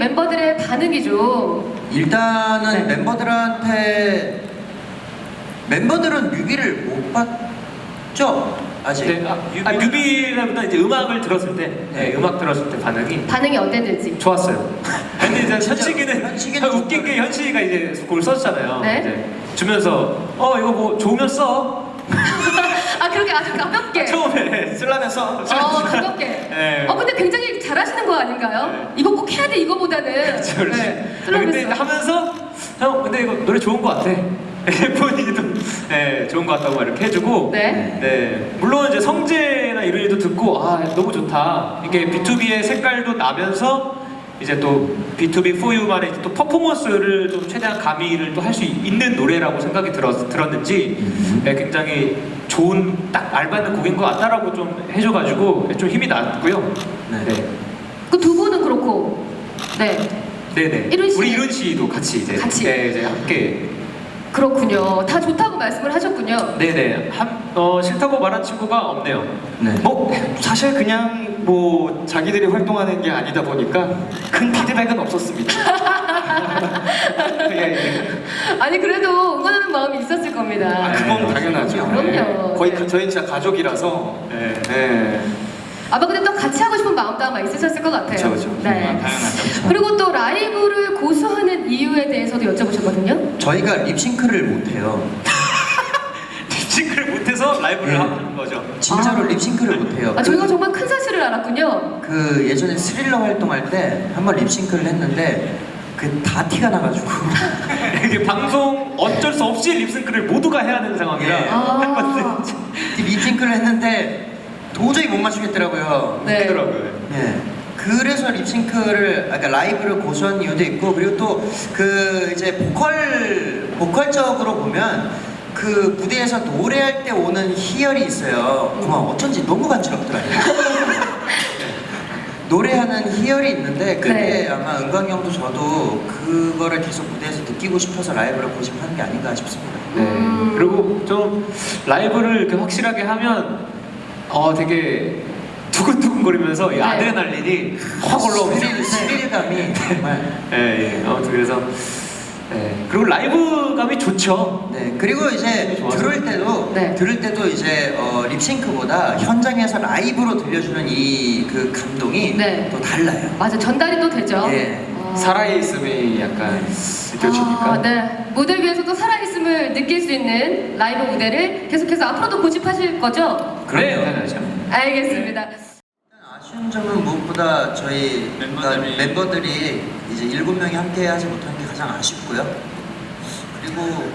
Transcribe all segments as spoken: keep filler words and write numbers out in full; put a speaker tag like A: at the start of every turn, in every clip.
A: 멤버들의 반응이 좀
B: 일단은
A: 네.
B: 멤버들한테 멤버들은 뮤비를 못 봤죠? 아직.
C: 네, 아, 뮤비, 아, 뮤비보다 이제 음악을 들었을 때, 네,
B: 네.
C: 음악 들었을 때 반응이
A: 반응이 어땠는지.
C: 좋았어요. 근데 이제 현식이는
B: 현식이는
C: 웃긴 게 현식이가 이제 그걸 썼잖아요.
A: 네.
C: 이제 주면서 어 이거 뭐 좋으면 써.
A: 아 그렇게 아주 가볍게.
C: 처음에 쓰려면 써.
A: 어 가볍게.
C: 네.
A: 어 근데 굉장히 잘하시는 거 아닌가요?
C: 네.
A: 이거 꼭 해야 돼 이거보다는.
C: 그렇죠, 그렇죠.
A: 네.
C: 아, 근데
A: 쓰려면서.
C: 하면서 형 근데 이거 노래 좋은 거 같아. 본인도 네, 좋은 거 같다고 이렇게 해주고
A: 네.
C: 네, 물론 이제 성재나 이런 일도 듣고 아 너무 좋다. 이게 비투비의 색깔도 나면서 이제 또 비투비 for you만의 또 퍼포먼스를 좀 최대한 가미를 또 할 수 있는 노래라고 생각이 들었, 들었는지 네, 굉장히 좋은 딱 알맞는 곡인 것 같다라고 좀 해줘가지고 좀 힘이 났고요.
B: 네.
C: 네.
A: 그 두 분은 그렇고. 네.
C: 네네.
A: 이룬 씨.
C: 우리 이룬 씨도 같이 이제
A: 같이.
C: 네, 이제 함께.
A: 그렇군요. 다 좋다고 말씀을 하셨군요.
C: 네네. 한, 어, 싫다고 말한 친구가 없네요.
B: 네.
D: 뭐 사실 그냥 뭐 자기들이 활동하는 게 아니다 보니까 큰 피드백은 없었습니다. 예, 예.
A: 아니 그래도 응원하는 마음이 있었을 겁니다.
D: 아, 그건 당연하죠.
A: 그럼요.
D: 거의
A: 네.
D: 그- 저희는 진짜 가족이라서.
C: 네.
D: 네.
A: 아마 근데 또 같이 하고 싶은 마음도 아마 있으셨을 것 같아요.
D: 그쵸, 그쵸.
A: 네.
D: 당연하죠.
A: 그리고 또 라이브를 고수하는 이유에 대해서도 여쭤보셨거든요.
B: 저희가 립싱크를 못해요.
C: 립싱크를 못해서 라이브를
B: 네.
C: 하는 거죠.
B: 진짜로
A: 아.
B: 립싱크를 못해요.
A: 아, 저희가 정말 큰 사실을 알았군요.
B: 그 예전에 스릴러 활동할 때 한번 립싱크를 했는데 그 다 티가 나가지고
C: 이게 방송 어쩔 수 없이 립싱크를 모두가 해야 하는 상황이라
B: 예.
C: 한 건데
A: 아,
B: 립싱크를 했는데 도저히 못 맞추겠더라고요.
A: 네.
C: 웃기더라고요.
B: 예. 그래서 립싱크를 아까 그러니까 라이브를 고수한 이유도 있고 그리고 또 그 이제 보컬 보컬적으로 보면 그 무대에서 노래할 때 오는 희열이 있어요. 그만 어쩐지 너무 간지럽더라고요. 노래하는 희열이 있는데 그게
A: 네.
B: 아마 은광 형도 저도 그거를 계속 무대에서 느끼고 싶어서 라이브를 고집하는 게 아닌가 싶습니다.
C: 네.
A: 음.
C: 그리고 좀 라이브를 이렇게 확실하게 하면 어 되게 두근두근거리면서 이
A: 네.
C: 아드레날린이 확 올라오고
B: 스릴, 스릴감이 정말.
C: 예, 예. 아무튼 그래서 예. 그리고 라이브감이 좋죠.
B: 네, 그리고 이제
C: 좋아서.
B: 들을 때도
A: 네.
B: 들을 때도 이제 어, 립싱크보다 현장에서 라이브로 들려주는 이 그 감동이
A: 네.
B: 또 달라요.
A: 맞아 전달이 또 되죠.
B: 예.
A: 어.
D: 살아있음이 약간 느껴지니까.
A: 아, 네. 무대 위에서도 살아있음을 느낄 수 있는 라이브 무대를 계속해서 앞으로도 고집하실 거죠?
C: 네, 당연하죠.
A: 알겠습니다.
B: 아쉬운 점은 무엇보다 저희
D: 멤버들이-
B: 멤버들이 이제 일곱 명이 함께 하지 못한 게 가장 아쉽고요. 그리고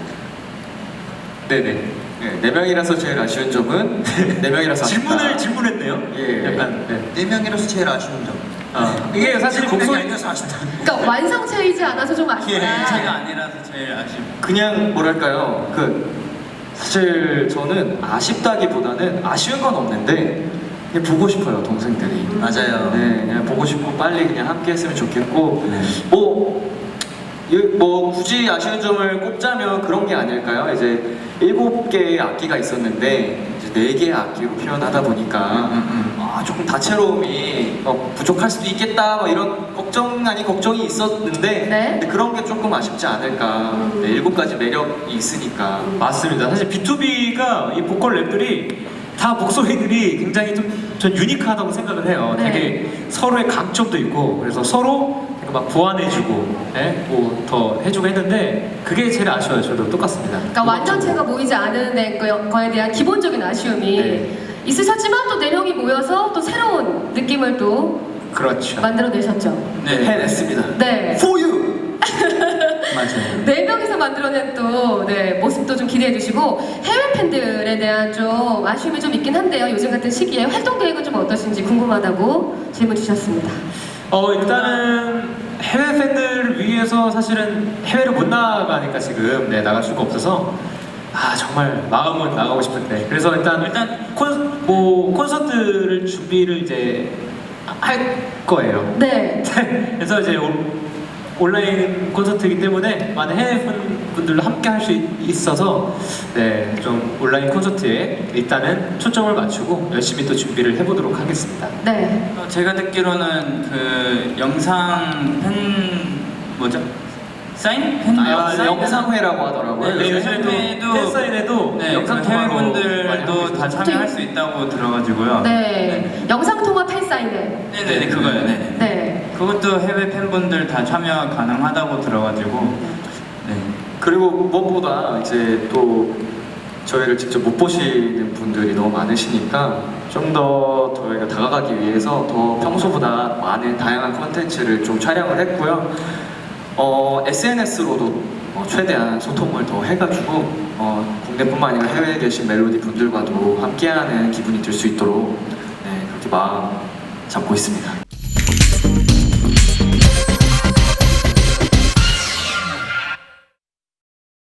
C: 네네.
D: 네, 네 명이라서 제일 아쉬운 점은 네 명이라서 아쉽다.
C: 질문을 질문했네요.
D: 예.
C: 약간 네.
B: 네 명이라서 제일 아쉬운 점.
C: 아, 이게 사실
B: 일곱 명이
C: 곡소리
B: 아니라서 아쉽다.
A: 그러니까 완성체이지 않아서 좀 아쉽다.
D: 아니라서 제일 아쉽. 그냥 뭐랄까요, 그 사실 저는 아쉽다기보다는 아쉬운 건 없는데 그냥 보고 싶어요 동생들이.
B: 맞아요.
D: 네, 그냥 보고 싶고 빨리 그냥 함께 했으면 좋겠고
B: 네.
D: 뭐. 이- 뭐 굳이 아쉬운 점을 꼽자면 그런 게 아닐까요? 이제 일곱 개의 악기가 있었는데 이제 네 개의 악기로 표현하다 보니까
B: 음,
D: 아, 조금 다채로움이 어, 부족할 수도 있겠다 뭐 이런 걱정 아닌 걱정이 있었는데
A: 네.
D: 근데 그런 게 조금 아쉽지 않을까.
A: 음.
D: 네, 일곱 가지 매력이 있으니까.
C: 맞습니다. 사실 비투비가 이 보컬 랩들이 다 목소리들이 굉장히 좀 전 유니크하다고 생각을 해요.
A: 네.
C: 되게 서로의 강점도 있고 그래서 서로 되게 막 보완해주고, 예? 뭐더 해주고 했는데 그게 제일 아쉬워요. 저도 똑같습니다.
A: 그러니까 완전체가 모이지 않은 데 거- 거에 대한 기본적인 아쉬움이
C: 네.
A: 있으셨지만 또 네 명이 모여서 또 새로운 느낌을 또
C: 그렇죠.
A: 만들어내셨죠.
D: 네, 해냈습니다.
A: 네.
D: For you.
B: 맞아요.
A: 네 명이서 만들어낸 또 네, 모습도 좀 기대해 주시고 해외 팬들에 대한 좀 아쉬움이 좀 있긴 한데요. 요즘 같은 시기에 활동 계획은 좀 어떠신지 궁금하다고 질문 주셨습니다.
C: 어 일단은 해외 팬들을 위해서 사실은 해외를 못 나가니까 지금 네, 나갈 수가 없어서 아 정말 마음은 나가고 싶은데 그래서 일단 일단 콘, 뭐 콘서트를 준비를 이제 할 거예요.
A: 네.
C: 그래서 이제 올- 온라인 콘서트이기 때문에 많은 해외 분- 분들도 함께 할 수 있어서 네, 좀 온라인 콘서트에 일단은 초점을 맞추고 열심히 또 준비를 해보도록 하겠습니다.
A: 네.
E: 어, 제가 듣기로는 그 영상 팬 뭐죠? 사인? 팬?
D: 아,
E: 사인?
D: 영상회라고 하더라고요.
E: 네,
C: 네,
E: 요즘에도
C: 요즘에도 팬사인회도
E: 네,
C: 영상
E: 그
C: 통화로 많이
E: 해외분들도
C: 하고
E: 다 참여할 수 있다고 들어가지고요.
A: 네. 영상 통화 팬사인회.
E: 네네 그거요. 네.
A: 네.
E: 그것도 해외 팬분들 다 참여 가능하다고 들어가지고 네.
D: 그리고 무엇보다 이제 또 저희를 직접 못 보시는 분들이 너무 많으시니까 좀 더 저희가 다가가기 위해서 더 평소보다 많은 다양한 콘텐츠를 좀 촬영을 했고요. 어, 에스엔에스로도 어, 최대한 소통을 더 해가지고 어, 국내뿐만 아니라 해외에 계신 멜로디 분들과도 함께하는 기분이 들 수 있도록 네, 그렇게 마음 잡고 있습니다.